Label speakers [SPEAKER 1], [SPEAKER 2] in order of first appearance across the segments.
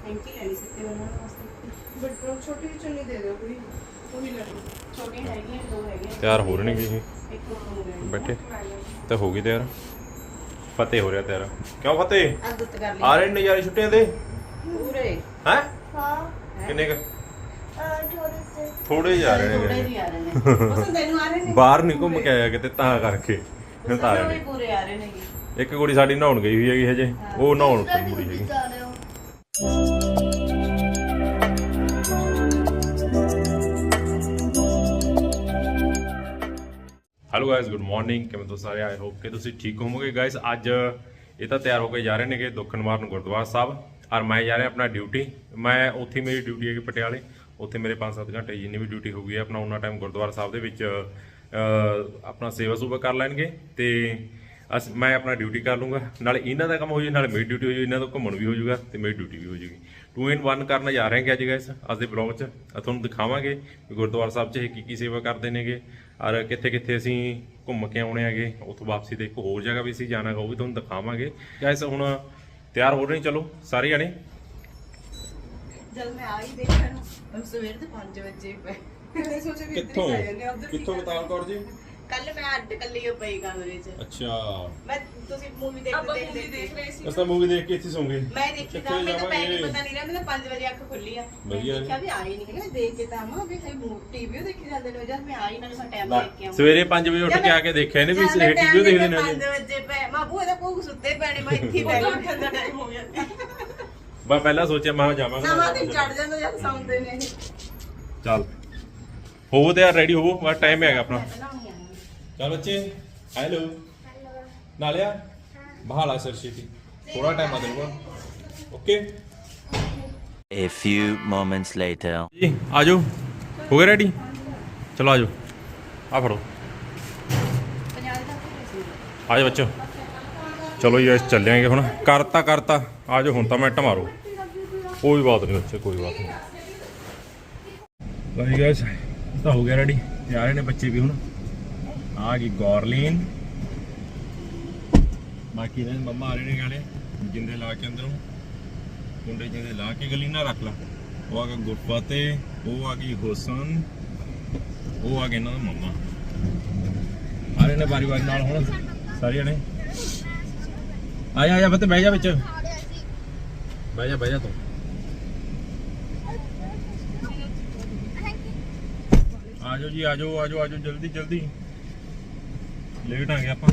[SPEAKER 1] Thank you लेनी सकते हो वास्ते बट छोटी चुन्नी दे दो कोई वो भी ले लो छोटी हैगी है दो हैगे
[SPEAKER 2] ਤਿਆਰ ਹੋ ਰਹੇ ਨੇ ਇਹ
[SPEAKER 1] एक तो हो गया
[SPEAKER 2] ਬੈਠੇ ਤਾਂ ਹੋ ਗਈ ਤਿਆਰ ਫਤਿਹ ਹੋ ਰਿਹਾ ਤਿਆਰ ਕਿਉਂ ਫਤਿਹ
[SPEAKER 1] आदत कर ली
[SPEAKER 2] ਆ ਰਹੇ ਨੇ ਨਜ਼ਾਰੇ ਛੁੱਟੀਆਂ ਦੇ
[SPEAKER 1] पूरे
[SPEAKER 2] ਹੈ
[SPEAKER 3] हाँ
[SPEAKER 2] ਕਿੰਨੇ ਕ
[SPEAKER 3] थोड़े से
[SPEAKER 2] ਥੋੜੇ ਜਾ ਰਹੇ
[SPEAKER 1] थोड़े
[SPEAKER 2] ਨੇ
[SPEAKER 1] ही आ रहे हैं पसंद तेन आ रहे ने
[SPEAKER 2] ਬਾਹਰ ਨਹੀਂ ਘੁੰਮ ਕੇ ਆਇਆ ਕਿਤੇ ਤਾਂ ਕਰਕੇ ਤਾਂ ਰਹੇ
[SPEAKER 1] भी
[SPEAKER 2] ਨੇ
[SPEAKER 1] पूरे आ रहे ने
[SPEAKER 2] ਇੱਕ ਕੁੜੀ ਸਾਡੀ ਨਹਾਉਣ ਗਈ ਹੋਈ ਹੈਗੀ ਹਜੇ ਉਹ ਨਹਾਉਣ ਕੁੜੀ ਹੈਗੀ
[SPEAKER 3] जा रहे हो
[SPEAKER 2] ਹੈਲੋ ਗਾਇਸ ਗੁੱਡ ਮਾਰਨਿੰਗ ਕਿਵੇਂ ਤੁਸੀਂ ਸਾਰੇ ਆਈ ਹੋਪ ਕਿ ਤੁਸੀਂ ਠੀਕ ਹੋਵੋਗੇ ਗਾਇਸ ਅੱਜ ਇਹ ਤਾਂ ਤਿਆਰ ਹੋ ਕੇ ਜਾ ਰਹੇ ਨੇਗੇ ਦੁੱਖਨਿਵਾਰਨ ਗੁਰਦੁਆਰਾ ਸਾਹਿਬ ਔਰ ਮੈਂ ਜਾ ਰਿਹਾ ਆਪਣਾ ਡਿਊਟੀ ਮੈਂ ਉੱਥੇ ਮੇਰੀ ਡਿਊਟੀ ਹੈਗੀ ਪਟਿਆਲੇ ਉੱਥੇ ਮੇਰੇ 5-7 ਘੰਟੇ ਜਿੰਨੀ ਵੀ ਡਿਊਟੀ ਹੋਊਗੀ ਆਪਣਾ ਉਹਨਾਂ ਟਾਈਮ ਗੁਰਦੁਆਰਾ ਸਾਹਿਬ ਦੇ ਵਿੱਚ ਆਪਣਾ ਸੇਵਾ ਸੁਭਾ ਕਰ ਲੈਣਗੇ ਤੇ ਮੈਂ ਆਪਣਾ ਡਿਊਟੀ ਕਰ ਲੂੰਗਾ ਨਾਲੇ ਇਹਨਾਂ ਦਾ ਕੰਮ ਹੋ ਜੂ ਨਾਲੇ ਮੇਰੀ ਡਿਊਟੀ ਹੋ ਜੂ ਇਹਨਾਂ ਦਾ ਘੁੰਮਣ ਵੀ ਹੋ ਜੂਗਾ ਤੇ ਮੇਰੀ ਡਿਊਟੀ ਵੀ ਹੋ ਜੂਗੀ 2 in 1 ਕਰਨ ਜਾ ਰਹੇ ਹਾਂ ਅੱਜ ਗਾਇਸ ਅੱਜ ਦੇ ਬਲੌਗ 'ਚ ਤੁਹਾਨੂੰ ਦਿਖਾਵਾਂਗੇ ਕਿ ਗੁਰਦੁਆਰਾ ਸਾਹਿਬ 'ਚ ਇਹ ਕੀ ਸੇਵਾ ਕਰਦੇ ਨੇਗੇ ਔਰ ਕਿੱਥੇ ਕਿੱਥੇ ਅਸੀਂ ਘੁੰਮ ਕੇ ਆਉਣੇ ਹੈਗੇ ਉੱਥੋਂ ਵਾਪਸੀ ਤੇ ਇੱਕ ਹੋਰ ਜਗ੍ਹਾ ਵੀ ਅਸੀਂ ਜਾਣਾ ਉਹ ਵੀ ਤੁਹਾਨੂੰ ਦਿਖਾਵਾਂਗੇ ਗਾਇਸ ਹੁਣ ਤਿਆਰ ਹੋ ਰਹੇ ਚਲੋ ਸਾਰੇ ਜਾਣੇ
[SPEAKER 1] जब मैं आई देखा सवेर के 5 बजे पे सोचे भी
[SPEAKER 2] ਕਿੱਥੋਂ ਬਤਾਲ ਕੌਰ ਜੀ
[SPEAKER 1] कल मैं अड्ड कल्ली पई कमरे च
[SPEAKER 2] ਅੱਛਾ
[SPEAKER 1] मैं तुसी मूवी देखते देख रहे सी
[SPEAKER 2] ਅਸਾਂ ਮੂਵੀ ਦੇਖ ਕੇ ਇੱਥੇ ਸੌਂਗੇ
[SPEAKER 1] मैं देखी था मैं तो पैक पता नहीं रहा मैं 5 बजे अख खुली आ मैं
[SPEAKER 2] बढ़िया
[SPEAKER 1] देखा भी आई नहीं है देख के ता मां भी टीवी देखी जांदे ने जब मैं आई ना सा टाइम देख के
[SPEAKER 2] ਸਵੇਰੇ 5 ਵਜੇ ਉੱਠ ਕੇ ਆ ਕੇ ਦੇਖਿਆ ਇਹਨੇ ਵੀ ਟੀਵੀ ਦੇਖਦੇ ਨੇ
[SPEAKER 1] 5 बजे पे मां बूए दा कोक सुत्ते पैणे मैं इत्थे बैठ उठन दा टाइम हो गया
[SPEAKER 2] ਮੈਂ ਪਹਿਲਾਂ ਸੋਚਿਆ ਮੈਂ ਜਾਵਾਂਗਾ
[SPEAKER 1] ਨਾ ਮਾਂ ਤੇ ਚੜ ਜਾਂਦਾ ਜਦ ਸੌਂਦੇ ਨੇ
[SPEAKER 2] ਚੱਲ ਹੋਵੋ ਤੇ ਯਾਰ ਰੈਡੀ ਹੋਵੋ ਬਸ ਟਾਈਮ ਹੈਗਾ ਆਪਣਾ ਚੱਲ ਬੱਚੇ ਹੈਲੋ ਨਾਲਿਆ ਬਹਾਲਾ ਸਰਸ਼ੀਤੀ ਥੋੜਾ ਟਾਈਮ ਆ ਦੇਣਾ okay
[SPEAKER 4] A few moments later.
[SPEAKER 2] ਜੀ ਆਜੋ ਹੋ ਗਏ ਰੈਡੀ ਚਲੋ ਆਜੋ ਆ ਫੜੋ ਆਜੋ ਬੱਚੋ ਚਲੋ ਜੀ ਅਸੀਂ ਚੱਲਾਂਗੇ ਹੁਣ ਕਰਤਾ ਆਜੋ ਹੁਣ ਤਾਂ ਮਿੰਟ ਮਾਰੋ ਕੋਈ ਬਾਤ ਨਹੀਂ ਬੱਚੇ ਕੋਈ ਬਾਤ ਨਹੀਂ ਭਾਈ ਗਾਇਸ ਤਾਂ ਹੋ ਗਿਆ ਰੈਡੀ ਤੇ ਆ ਰਹੇ ਨੇ ਬੱਚੇ ਵੀ ਹੁਣ ਆ ਗਈ ਗੌਰਲੀਨ ਬਾਕੀ ਨੇ ਮੰਮਾ ਆ ਰਹੇ ਨੇ ਗਾਲੇ ਜਿੰਦੇ ਲਾ ਕੇ ਅੰਦਰੋਂ ਕੁੰਡੇ ਜਿੰਦੇ ਲਾ ਕੇ ਗਲੀਨਾ ਰੱਖ ਲਾ ਉਹ ਆ ਗਿਆ ਗੁਰਫਤਿਹ ਉਹ ਆ ਗਈ ਹੁਸਨ ਉਹ ਆ ਗਏ ਇਹਨਾਂ ਦਾ ਮੰਮਾ ਆ ਰਹੇ ਨੇ ਵਾਰੀ ਨਾਲ ਹੁਣ ਸਾਰੇ ਜਣੇ ਆਇਆ ਬੱਤੇ ਬਹਿ ਜਾ ਵਿੱਚ ਬਹਿ ਜਾ ਤੂੰ ਆਜੋ ਜੀ ਆਜੋ ਜਲਦੀ ਲੇਟ ਆ ਗਏ ਆਪਾਂ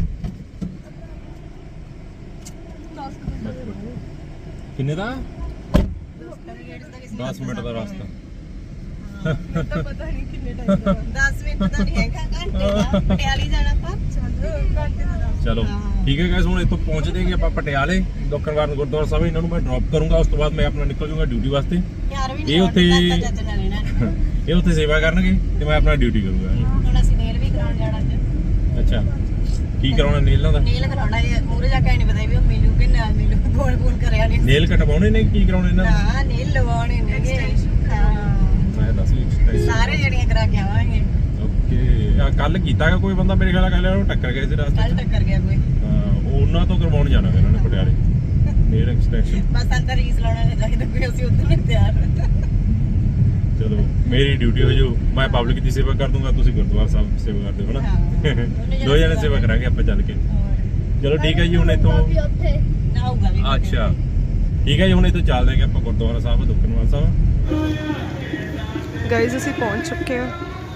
[SPEAKER 2] ਕਿੰਨੇ ਦਾ 10 ਮਿੰਟ ਦਾ ਰਸਤਾ
[SPEAKER 1] ਪਤਾ ਨਹੀਂ ਕਿੰਨੇ ਟਾਈਮ ਦਾ 10 ਮਿੰਟ ਦਾ ਨਹੀਂ ਹੈਗਾ ਘੰਟੇ ਦਾ ਪਟਿਆਲੀ ਜਾਣਾ ਆਪਾਂ ਘੰਟੇ ਦਾ
[SPEAKER 2] ਚਲੋ ਠੀਕ ਹੈ ਗਾਇਸ ਹੁਣ ਇੱਥੋਂ ਪਹੁੰਚਦੇ ਹਾਂ ਆਪਾਂ ਪਟਿਆਲੇ ਦੁੱਖਨਿਵਾਰਨ ਗੁਰਦੁਆਰਾ ਸਾਹਿਬ ਇਹਨਾਂ ਨੂੰ ਮੈਂ ਡ੍ਰੌਪ ਕਰੂੰਗਾ ਉਸ ਤੋਂ ਬਾਅਦ ਮੈਂ ਆਪਣਾ ਨਿਕਲ ਜਾਊਂਗਾ ਡਿਊਟੀ ਵਾਸਤੇ
[SPEAKER 1] ਯਾਰ ਵੀ
[SPEAKER 2] ਇਹ ਉੱਥੇ ਇਹ ਉੱਥੇ ਸੇਵਾ ਕਰਨਗੇ ਤੇ ਮੈਂ ਆਪਣਾ ਡਿਊਟੀ ਕਰੂੰਗਾ
[SPEAKER 1] ਹੁਣ ਅਸੀਂ ਨੇਲ ਵੀ ਕਰਾਉਣ ਜਾਣਾ ਅੱਜ
[SPEAKER 2] ਅੱਛਾ ਕੀ ਕਰਾਉਣਾ ਨੇਲਾਂ ਦਾ
[SPEAKER 1] ਨੇਲ ਕਰਾਉਣਾ ਇਹ ਮੂਰੇ ਜਾ ਕੇ ਨਹੀਂ ਪਤਾ ਵੀ ਉਹ ਮਿਲੂ ਕਿ ਨਾ ਮਿਲੂ ਫੋਨ ਕਰਿਆ ਨਹੀਂ
[SPEAKER 2] ਨੇਲ ਕਟਵਾਉਣੇ ਨੇ ਕੀ ਕਰਾਉਣੇ ਇਹਨਾਂ ਦਾ
[SPEAKER 1] ਹਾਂ ਨੇਲ ਲਵਾਉਣੇ ਨੇ ਹਾਂ
[SPEAKER 2] ਮੈਂ ਦੱਸ ਵੀ
[SPEAKER 1] ਸਾਰੇ ਜਣੀਆਂ ਕਰਾ ਕੇ ਆਵਾਂਗੇ
[SPEAKER 2] ਓਕੇ ਆ ਕੱਲ ਕੀਤਾਗਾ ਕੋਈ ਬੰਦਾ ਮੇਰੇ ਖਿਆਲ ਕੱਲ ਉਹਨੂੰ ਟੱਕਰ ਗਿਆ ਸੀ ਰਸਤੇ
[SPEAKER 1] ਕੱਲ ਟੱਕਰ ਗਿਆ ਕੋਈ
[SPEAKER 2] ਹਾਂ ਉਹਨਾਂ ਤੋਂ ਕਰਵਾਉਣ ਜਾਣਾ ਇਹਨਾਂ ਨੇ ਪਟਿਆਲੇ ਨੇਲ ਐਕਸਟੈਂਸ਼ਨ
[SPEAKER 1] ਬਸ ਅੰਦਰ ਰੀਸ ਲਾਉਣਾ ਨਹੀਂ ਚਾਹੀਦਾ ਕੋਈ ਅਸੀਂ ਉੱਧਰ ਨਹੀਂ ਤਿਆਰ
[SPEAKER 2] ਚਲੋ ਮੇਰੀ ਡਿਊਟੀ ਹੋ ਜਾਊ ਮੈਂ ਪਬਲਿਕ ਦੀ ਸੇਵਾ ਕਰ ਦੂੰਗਾ ਤੁਸੀਂ ਗੁਰਦੁਆਰਾ ਸਾਹਿਬ ਸੇਵਾ ਕਰਦੇ ਹੋ ਨਾ ਦੋ ਜਣੇ ਸੇਵਾ ਕਰਾਂਗੇ ਆਪਾਂ ਚੱਲ ਕੇ ਚਲੋ ਠੀਕ ਹੈ ਜੀ ਹੁਣ ਇੱਥੋਂ
[SPEAKER 3] अभी अब थे
[SPEAKER 1] ਨਾ ਹੋਊਗਾ ਵੀ
[SPEAKER 2] ਅੱਛਾ ਠੀਕ ਹੈ ਜੀ ਹੁਣ ਇੱਥੋਂ ਚੱਲਦੇ ਹਾਂ ਆਪਾਂ ਗੁਰਦੁਆਰਾ ਸਾਹਿਬ ਦੁੱਖਨਿਵਾਰਨ ਸਾਹਿਬ
[SPEAKER 5] गाइस ਅਸੀਂ ਪਹੁੰਚ ਚੁੱਕੇ ਹਾਂ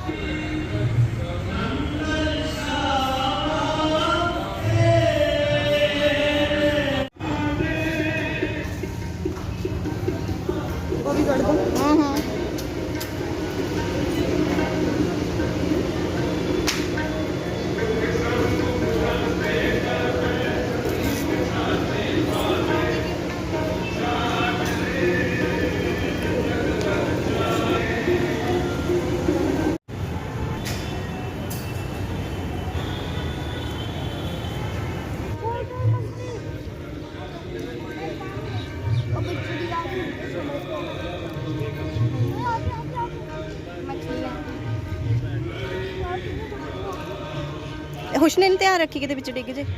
[SPEAKER 5] ਉਹ ਵੀ ਕੱਢ ਦੋ ਹੁਸ਼ਨੈਨ ਧਿਆਨ ਰੱਖੀ ਕਿਤੇ ਵਿੱਚ ਡਿੱਗ ਜੇ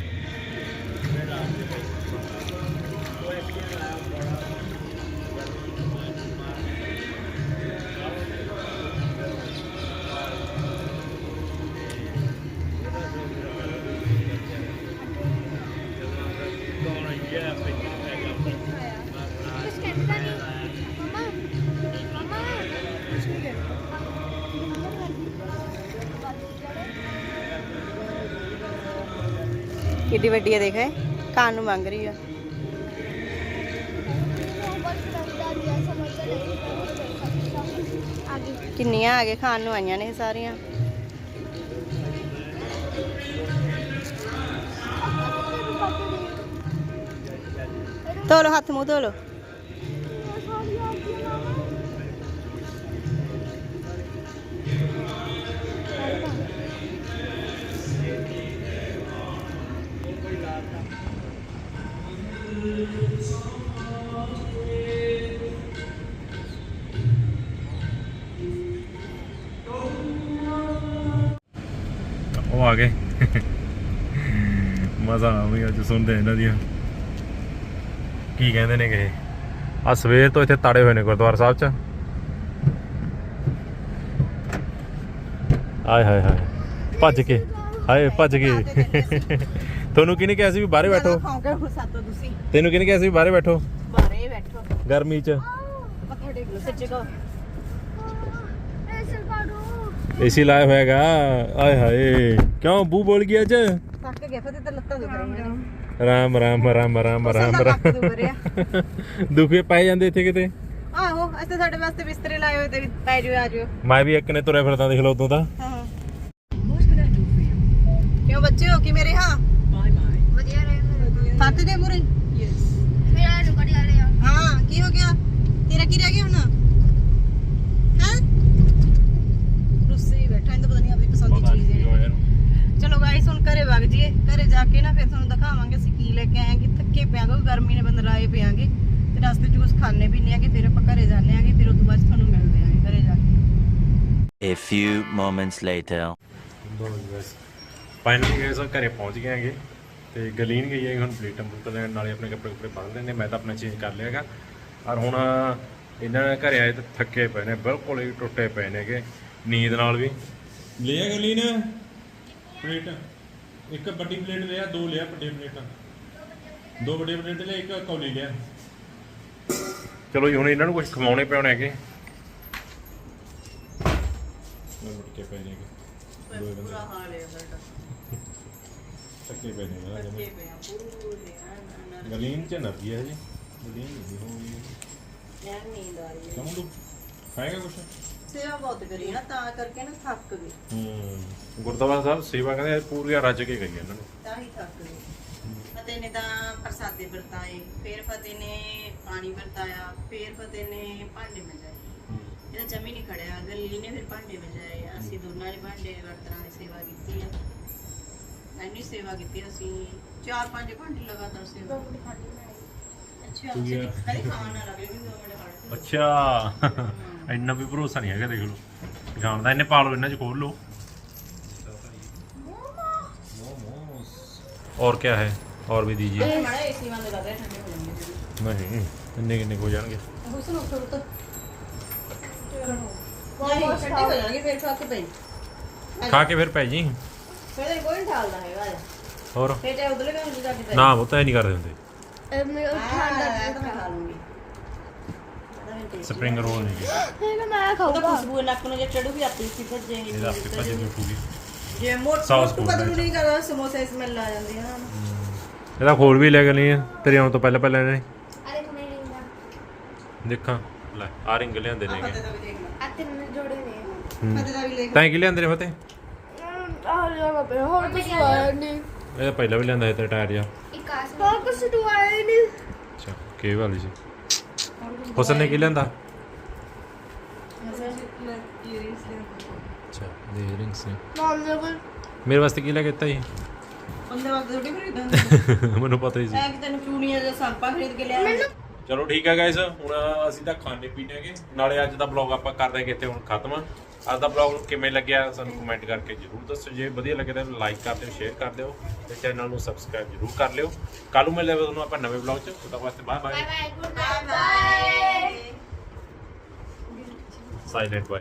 [SPEAKER 5] ਕਿੱਡੀ ਵੱਡੀ ਹੈ ਦੇਖ ਖਾਣ ਨੂੰ ਮੰਗ ਰਹੀ ਆ ਕਿੰਨੀਆਂ ਆ ਗਏ ਖਾਣ ਨੂੰ ਆਈਆਂ ਨੇ ਇਹ ਸਾਰੀਆਂ ਧੋ ਲਓ ਹੱਥ ਮੂੰਹ ਧੋ ਲਓ
[SPEAKER 2] ਉਹ ਆ ਗਏ ਮਜ਼ਾ ਆਉਂਦਾ ਅੱਜ ਸੁਣਦੇ ਇਹਨਾਂ ਦੀਆਂ ਕੀ ਕਹਿੰਦੇ ਨੇ ਕਿ ਆ ਸਵੇਰ ਤੋਂ ਇੱਥੇ ਤਾੜੇ ਹੋਏ ਨੇ ਗੁਰਦੁਆਰਾ ਸਾਹਿਬ 'ਚ ਆਏ ਹਾਏ ਹਾਏ ਭੱਜ ਕੇ ਹਾਏ ਭੱਜ ਗਏ ਤੁਹਾਨੂੰ ਕਿਹਨੇ ਕਿਹਾ ਸੀ ਵੀ ਬਾਹਰੇ ਬੈਠੋ ਤੈਨੂੰ ਕਿਹਨੇ ਕਿਹਾ ਸੀ ਵੀ ਬਾਹਰੇ ਬੈਠੋ
[SPEAKER 5] ਬਾਰੇ ਬੈਠੋ
[SPEAKER 2] ਗਰਮੀ 'ਚ
[SPEAKER 5] ਮੱਥਾ ਟੇਕ ਲਓ ਸੱਚੇ ਕੋ
[SPEAKER 2] ਏਸੀ ਲਾਇਆ ਹੋਇਆਗਾ ਆਏ ਹਾਏ ਕਿਉਂ ਬੂ ਬੋਲ ਗਿਆ ਅੱਜ
[SPEAKER 5] ਥੱਕ ਗਿਆ ਫਿਰ ਤੇ ਲੱਤਾਂ ਦੁਖ ਰਹੀਆਂ ਨੇ
[SPEAKER 2] ਰਾਮ ਰਾਮ ਰਾਮ ਰਾਮ ਰਾਮ
[SPEAKER 5] ਲੱਕ ਦੁਖ ਰਿਹਾ
[SPEAKER 2] ਦੁਖੇ ਪੈ ਜਾਂਦੇ ਇੱਥੇ ਕਿਤੇ
[SPEAKER 5] ਆਹੋ ਅਸੀਂ ਤੁਹਾਡੇ ਵਾਸਤੇ ਬਿਸਤਰੇ ਲਾਏ ਹੋਏ ਤੇ ਪੈ ਜਿਓ ਆ ਜਿਓ
[SPEAKER 2] ਮੈਂ ਵੀ ਇੱਕ ਨੇ ਤੁਰਿਆ ਫਿਰਦਾ ਦੇਖ ਲਓ ਉਦੋਂ ਤਾਂ
[SPEAKER 5] ਹਾਂ ਕਿਉਂ ਬੱਚੇ ਹੋ ਕਿ ਮੇਰੇ ਹਾਂ
[SPEAKER 3] ਵਧੀਆ ਰਹੇ
[SPEAKER 5] ਫੱਤ ਦੇ ਮੁਰੇ
[SPEAKER 3] ਮੇਰਾ ਨੂੰ ਕੜੀ ਵਾਲੇ ਆ
[SPEAKER 5] ਹਾਂ ਕੀ ਹੋ ਗਿਆ ਤੇਰਾ ਕੀ ਰਹਿ ਗਿਆ ਹੁਣ ਹਾਂ ਰੁੱਸੇ ਹੀ ਬੈਠਾ ਇਹਨੂੰ ਪਤਾ ਨਹੀਂ ਆਪਣੀ ਪਸੰਦ ਦੀ ਚੀਜ਼ ਹੈ ਚਲੋ ਗਾਇਸ ਹੁਣ ਘਰੇ ਵਗ ਜੀਏ ਘਰੇ ਜਾ ਕੇ ਨਾ ਫਿਰ ਤੁਹਾਨੂੰ ਦਿਖਾਵਾਂਗੇ ਅਸੀਂ ਕੀ ਲੈ ਕੇ ਆਏ ਕਿ ਥੱਕੇ ਪਿਆ ਕਿਉਂਕਿ ਗਰਮੀ ਨੇ ਬੰਦ ਰਾਏ ਪਿਆਂਗੇ ਤੇ ਰਸਤੇ 'ਚ ਕੁਝ ਖਾਣੇ ਪੀਣੇ ਆਗੇ ਫਿਰ ਆਪਾਂ ਘਰੇ ਜਾਂਦੇ ਆਗੇ ਫਿਰ ਉਸ ਤੋਂ ਬਾਅਦ ਤੁਹਾਨੂੰ ਮਿਲਦੇ ਆਂਗੇ ਘਰੇ ਜਾ ਕੇ
[SPEAKER 4] A few moments later.
[SPEAKER 2] Finally ਗਏ ਸੋ ਘਰੇ ਪਹੁੰਚ ਗਏ ਹੈਗੇ ਤੇ ਗਲੀਨ ਗਈ ਹੈ ਹੁਣ ਪਲੇਟਾਂ ਬੁੱਕ ਲੈਣ ਨਾਲੇ ਆਪਣੇ ਕੱਪੜੇ ਕੁਪੜੇ ਬੰਨ ਲੈਣੇ ਮੈਂ ਤਾਂ ਆਪਣਾ ਚੇਂਜ ਕਰ ਲਿਆਗਾ ਔਰ ਹੁਣ ਇਹਨਾਂ ਨੇ ਘਰੇ ਆਏ ਤੇ ਥੱਕੇ ਪਏ ਨੇ ਬਿਲਕੁਲ ਹੀ ਟੁੱਟੇ ਪਏ ਨੇਗੇ ਨੀਂਦ ਨਾਲ ਵੀ ਲਿਆ ਗਲੀਨ ਪਲੇਟ ਇੱਕ ਵੱਡੀ ਪਲੇਟ ਲਿਆ ਦੋ ਲਿਆ ਵੱਡੇ ਪਲੇਟਾਂ ਦੋ ਵੱਡੇ ਪਲੇਟ ਲਿਆ ਇੱਕ ਕੌਲੀ ਲਿਆ ਚਲੋ ਜੀ ਹੁਣ ਇਹਨਾਂ ਨੂੰ ਕੁਝ ਖਵਾਉਣੇ ਪਿਆਉਣੇ ਹੈਗੇ ਮੁੜ ਕੇ ਪਏ ਨੇਗੇ ਦੋ ਬੰਦੇ
[SPEAKER 5] ਹਾਲ ਹੈ ਸਾਡਾ
[SPEAKER 2] ਥੱਕੇ ਪਏ ਨੇ ਨਾ ਜਮੇ ਗਲੀਨ ਚ ਨੱਪੀ ਹੈ ਜੀ ਗਲੀਨ ਨਹੀਂ ਹੋਈ
[SPEAKER 5] ਯਾਰ ਨੀਂਦ ਆ ਰਹੀ ਹੈ
[SPEAKER 2] ਕਮ ਤੂੰ ਖਾਏਗਾ ਕੁਛ
[SPEAKER 5] ਸੇਵਾ ਬਹੁਤ ਕਰੀ ਨਾ ਤਾਂ ਕਰਕੇ ਨਾ ਥੱਕ ਗਈ
[SPEAKER 2] ਗੁਰਦੁਆਰਾ ਸਾਹਿਬ ਸੇਵਾ ਕਹਿੰਦੇ ਪੂਰੀਆਂ ਰੱਜ ਕੇ ਗਈ ਇਹਨਾਂ ਨੂੰ
[SPEAKER 5] ਤਾਂ ਹੀ ਥੱਕ ਗਈ ਫਤਿਹ ਨੇ ਤਾਂ ਪ੍ਰਸਾਦੇ ਵਰਤਾਏ ਫਿਰ ਫਤਿਹ ਨੇ ਪਾਣੀ ਵਰਤਾਇਆ ਫਿਰ ਫਤਿਹ ਨੇ ਭਾਂਡੇ ਮਜਾਏ ਇਹਦਾ ਜਮੀ ਨਹੀਂ ਖੜਿਆ ਗੱਲੀ ਨੇ ਫਿਰ ਭਾਂਡੇ ਮਜਾਏ ਅਸੀਂ ਦੋਨਾਂ ਨੇ ਭਾਂਡੇ ਵਰਤਨਾਂ ਦੀ ਸੇਵਾ ਕੀਤੀ ਆ ਇੰਨੀ ਸੇਵਾ ਕੀਤੀ ਅਸੀਂ 4-5 ਘੰਟੇ ਲਗਾਤਾਰ ਸੇਵਾ ਅੱਛਾ ਕਦੇ ਖਾਣ ਨਾ ਲੱਗੇ ਵੀ 2 ਮਿੰਟ ਖੜ
[SPEAKER 2] ਅੱਛਾ ਇੰਨਾ ਵੀ ਭਰੋਸਾ ਨਹੀਂ ਹੈਗਾ ਦੇਖ ਲਓ ਜਾਣਦਾ ਇਹਨੇ ਪਾ ਲਓ ਇਹਨਾਂ ਚ ਖੋਲ ਲਓ और क्या है और भी दीजिए
[SPEAKER 5] ਮਾੜਾ ਏਸੀ ਬੰਦ ਕਰ ਦੇ ਠੰਡੇ ਹੋ ਜਾਣਗੇ
[SPEAKER 2] नहीं इतने कितने हो जाएंगे
[SPEAKER 5] ਹੁਸਨ ਉੱਠੋ ਉੱਠੋ ਨਹੀਂ ਠੰਡੇ ਹੋ ਜਾਣਗੇ ਫਿਰ ਖਾ ਕੇ ਪਈ
[SPEAKER 2] खा के फिर पै जी
[SPEAKER 5] ਫਿਰ ਕੋਈ ਨਹੀਂ ਠਾਲਦਾ ਹੈਗਾ
[SPEAKER 2] और
[SPEAKER 5] ਫਿਰ ਤੇ ਉਧਰਲੇ ਕੰਮ ਜਾ ਕੇ ਪਈ
[SPEAKER 2] ना वो तो नहीं करते होंगे
[SPEAKER 3] ਮੈਂ
[SPEAKER 5] ਠੰਡਾ ਤਾਂ ਮੈਂ ਖਾ ਲੂੰਗੀ
[SPEAKER 2] स्प्रिंग रोल नहीं है
[SPEAKER 3] ਮੈਂ
[SPEAKER 5] ਉਹਦਾ
[SPEAKER 3] ਖਾਊਗਾ
[SPEAKER 5] ਖੁਸ਼ਬੂ ਨੱਕ ਨੂੰ ਜੇ ਚੜੂਗੀ ਆਪੇ ਸੀ ਭੱਜੇਗੀ
[SPEAKER 2] ये आपके पास जो उठूगी
[SPEAKER 5] ਜੇ ਮੋਟੂ
[SPEAKER 2] Sauce
[SPEAKER 5] ਮੋਟੂ ਕਦੋਂ ਨਹੀਂ ਕਰਦਾ ਸਮੋਸੇ ਸਮੈਲ ਆ ਜਾਂਦੀ ਹੈ ਨਾ
[SPEAKER 2] ਇਹਦਾ ਖੋਲ ਵੀ ਲੈ ਕੇ ਨਹੀਂ ਆ ਤੇਰੇ ਆਉਣ ਤੋਂ ਪਹਿਲਾਂ ਪਹਿਲਾਂ ਇਹਨੇ
[SPEAKER 3] ਅਰੇ ਮੈਂ ਨਹੀਂ
[SPEAKER 2] ਦੇਖਾਂ ਲੈ ਆ ਰਿੰਗ ਲਿਆਂਦੇ ਨੇਗੇ
[SPEAKER 5] ਫਤਿਹ ਦਾ ਵੀ ਦੇਖ ਲਾ
[SPEAKER 3] ਆ ਤਿੰਨ ਜੋੜੇ ਨੇ
[SPEAKER 5] ਫਤਿਹ ਦਾ ਵੀ ਲੈ
[SPEAKER 2] ਤੈਂ ਕੀ ਲਿਆਂਦੇ ਨੇ ਫਤੇ
[SPEAKER 3] ਆਹ ਲਿਆ ਪਏ ਹੋਰ ਕੁਝ ਆਇਆ ਨਹੀਂ
[SPEAKER 2] ਇਹ ਤਾਂ ਪਹਿਲਾਂ ਵੀ ਲਿਆਂਦਾ ਸੀ ਤੇ ਟਾਇਰ ਜਿਹਾ
[SPEAKER 3] ਇੱਕ ਆਸ ਹੋਰ ਕੁਝ ਆਇਆ ਨਹੀਂ
[SPEAKER 2] ਅੱਛਾ ਕੀ ਵਾਲੀ ਸੀ ਹੁਸਨ ਨੇ ਕੀ ਲਿਆਂਦਾ ਅੱਛਾ ਦੇ ਰਿੰਗਸ ਨੇ
[SPEAKER 3] ਮਾਮ ਨੇ ਕੋਈ
[SPEAKER 2] ਮੇਰੇ ਵਾਸਤੇ ਕੀ ਲੈ ਕੇ ਦਿੱਤਾ ਜੀ
[SPEAKER 5] ਬੰਦੇ ਵਕਤ ਥੋੜੀ ਖਰੀਦਦਾ
[SPEAKER 2] ਮੈਨੂੰ ਪਤਾ ਹੀ ਸੀ
[SPEAKER 5] ਐ ਕਿ ਤੈਨੂੰ ਚੂੜੀਆਂ ਜਾਂ ਸਾਂਪਾ ਖਰੀਦ ਕੇ ਲਿਆ
[SPEAKER 2] ਚਲੋ ਠੀਕ ਹੈ ਗਾਇਸ ਹੁਣ ਅਸੀਂ ਤਾਂ ਖਾਣੇ ਪੀਣੇ ਹੈਗੇ ਨਾਲੇ ਅੱਜ ਦਾ ਬਲੌਗ ਆਪਾਂ ਕਰਦੇ ਹਾਂ ਕਿਤੇ ਹੁਣ ਖਤਮ ਅੱਜ ਦਾ ਬਲੌਗ ਕਿਵੇਂ ਲੱਗਿਆ ਸਾਨੂੰ ਕਮੈਂਟ ਕਰਕੇ ਜਰੂਰ ਦੱਸੋ ਜੇ ਵਧੀਆ ਲੱਗੇ ਤਾਂ ਲਾਈਕ ਕਰ ਦਿਓ ਸ਼ੇਅਰ ਕਰ ਦਿਓ ਤੇ ਚੈਨਲ ਨੂੰ ਸਬਸਕ੍ਰਾਈਬ ਜਰੂਰ ਕਰ ਲਿਓ ਕੱਲ ਨੂੰ ਮਿਲਦੇ ਹਾਂ ਤੁਹਾਨੂੰ ਆਪਾਂ ਨਵੇਂ ਬਲੌਗ 'ਚ ਤਦ ਤੱਕ ਵਾਸਤੇ bye bye
[SPEAKER 3] bye good bye
[SPEAKER 2] silent bye